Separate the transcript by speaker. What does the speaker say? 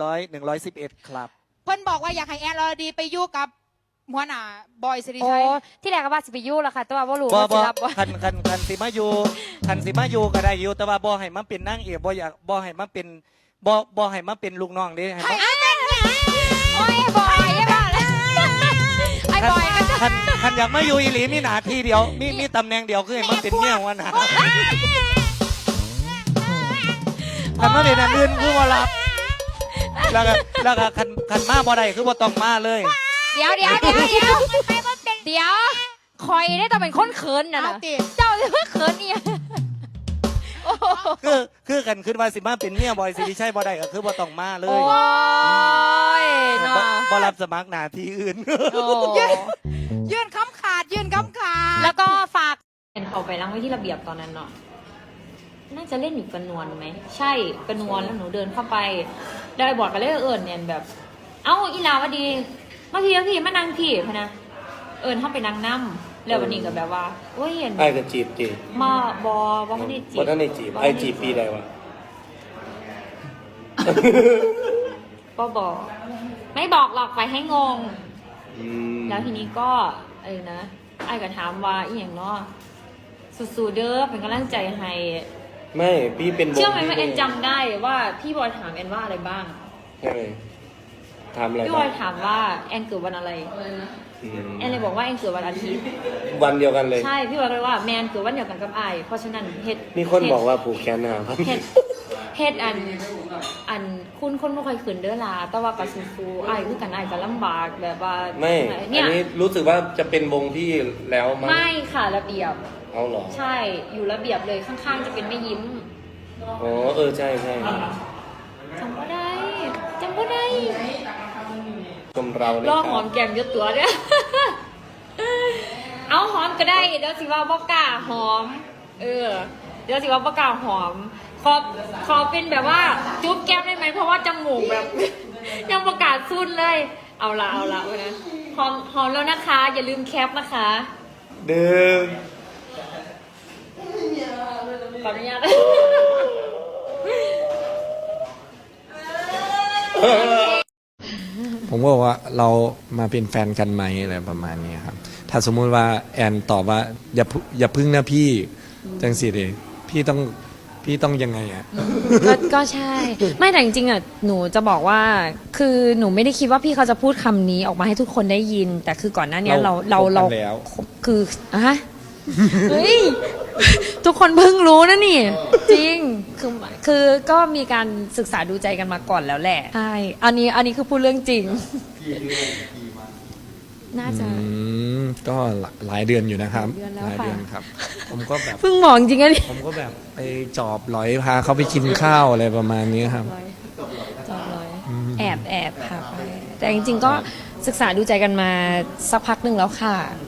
Speaker 1: 111ครับ
Speaker 2: เพิ่นบอกว่าอยากให้แอนอรดีไปอยู่กับหัวหน้าบอยสิริ
Speaker 3: โอ้
Speaker 2: ชัย
Speaker 3: ที่แรกก็ว่าสิไปยู่แล้วค่ะแต่ว่าบ่รู้
Speaker 1: บ่
Speaker 3: ว่าสิ
Speaker 1: บ่
Speaker 3: รับบ่
Speaker 1: คันสิมาอยู่ก็ได้อยู่แต่ว่าบ่ให้มันเป็นนางเอกบ่อยากบ่ให้มันเป็นบ่ให้มันเป็นลูกน้องเด้ให้มัน
Speaker 3: โอ้ยบอยไอ้บ้าเลยไอ้บอยก็จะ
Speaker 1: คันอยากมาอยู่อีหลีมีหน้าที่เดียวมีตำแหน่งเดียวคือให้มันเป็นเมียหัวหน้าคันมาเป็นอันอื่นคือบ่รับแล้วก็คันมาบ่ได้คือบ่ต้องมาเลย
Speaker 3: เดี๋ยวคอยได้ต้องเป็นคนเขินน่ะ
Speaker 2: เอา
Speaker 3: นะ
Speaker 2: ติ
Speaker 3: เจ้าจะมาเขินเนี่ยโอ้โห
Speaker 1: คือกันขึ้นว่าสิมาเป็นเมียบอยสิริชัยบ่ได้ก็คือบ่ต้องมาเล
Speaker 3: โอ้
Speaker 1: ย
Speaker 3: ยเนาะ
Speaker 1: บ่รับสมัครหน้าที่อื่น
Speaker 3: โอ้
Speaker 2: ยื่นคำขาด
Speaker 3: แล้วก็ฝากเห็นเขาไปล้างไว้ที่ระเบียบตอนนั้นเนาะน่าจะเล่นอยู่กระนวลไหมใช่กระนวลแล้วหนูเดินเข้าไปได้บอกกันเลยเนี่ยแบบ เอ้าอีลาวดีมาพี่มานั่งพี่พะนะเข้าไปนั่งน้ำแล้ววันนี้ก็แบบว่าโอ้ยเห็น
Speaker 4: ไอ้ก็จีบจี
Speaker 3: มาบอไม่ได้จีบ
Speaker 4: บ่ท่านได้จีบไอ้จีบปีใดวะ
Speaker 3: ก็บอกไม่บอกหรอกไปให้งง
Speaker 4: อืม
Speaker 3: แล้วทีนี้ก็นะไอ้ก็ถามว่าอีอย่างเนาะสู้ๆเด้อเป็นกำลังใจให้
Speaker 4: ไม่พี่เป็น
Speaker 3: เชื่อไหมว่าแอนจำได้ว่าพี่บอยถามแอนว่าอะไรบ้าง
Speaker 4: ใช่ไหมทำอะไร
Speaker 3: พี่บ
Speaker 4: บ้า
Speaker 3: อง ยถามว่าแอนเกิดวันอะไร
Speaker 4: อืม
Speaker 3: แอนเลยบอกว่าแอนเกิดวันอาทิตย์
Speaker 4: วันเดียวกันเลย
Speaker 3: ใช่พี่บอยก็เลยว่าแมนเกิดวันเดียวกันกับไอ้เพราะฉะนั้นเฮ็ด
Speaker 4: มีคนบอกว่าผูกแขนหาครับ
Speaker 3: เฮ็ดอันคุณคนไม่ค่อยขืนเด้อล่ะแต่ว่ากับฟูไอ้คือกันไอ้ก็ลำบากแบบว่า
Speaker 4: ไม่
Speaker 3: เนี่
Speaker 4: อั
Speaker 3: ย
Speaker 4: นนี้รู้สึกว่าจะเป็นวงพี่แล้วมั้ง
Speaker 3: ไม่ค่ะระเบียบ
Speaker 4: เอาเหรอ
Speaker 3: ใช่อยู่ระเบียบเลยข้างๆจะเป็นแม่ยิ้ม
Speaker 4: อ๋อใช่ใช่
Speaker 3: จำก็ได้
Speaker 4: ชมเราเลย
Speaker 3: รอ
Speaker 4: ค
Speaker 3: ห
Speaker 4: รั
Speaker 3: อบ มแก้มเยอะตัวเนี่ย เอาหอมก็ได้เดี๋ยวสิว่าบ่กล้าหอม เดี๋ยวสิว่าบ่กล้าหอม ขอเป็นแบบว่าจุ๊บแก้มได้ไหมเพราะว่าจมูกแบบ ยังประกาศสุดเลย เอาละวันนะหอมแล้วนะคะ อย่าลืมแคปนะคะ
Speaker 4: เดิม
Speaker 3: ขออนุญาต
Speaker 5: ผมก็บอกว่าเรามาเป็นแฟนกันไหมอะไรประมาณนี้ครับ ถ้าสมมุติว่าแอนตอบว่าอย่าพึ่งนะพี่จังสิเดพี่ต้องยังไงอ่ะ
Speaker 3: ก็ใช่ ไม่แต่จริงๆอ่ะหนูจะบอกว่าคือหนูไม่ได้คิดว่าพี่เขาจะพูดคำนี้ออกมาให้ทุกคนได้ยิน แต่คือก่อนหน้านี้เรา
Speaker 5: คบกันแล้ว
Speaker 3: คือเฮ้ยทุกคนเพิ่งรู้นะนี่ จริงคือก็มีการศึกษาดูใจกันมาก่อนแล้วแหละใช่อันนี้คือพูดเรื่องจริงน่าจะ
Speaker 5: ก็หลายเดือนอยู่นะครับ
Speaker 3: หลายเดือนแล้ว
Speaker 5: ครับ ผมก็แบบ
Speaker 3: เพิ่งมองจริงอะนี่
Speaker 5: ผมก็แบบไปจอบหลอยพาเขาไปกินข้าวอะไรประมาณนี้ครับ
Speaker 3: จอดเลยแอบพาไปแต่จริงๆก็ศึกษาดูใจกันมาสักพักหนึ่งแล้วค่ะ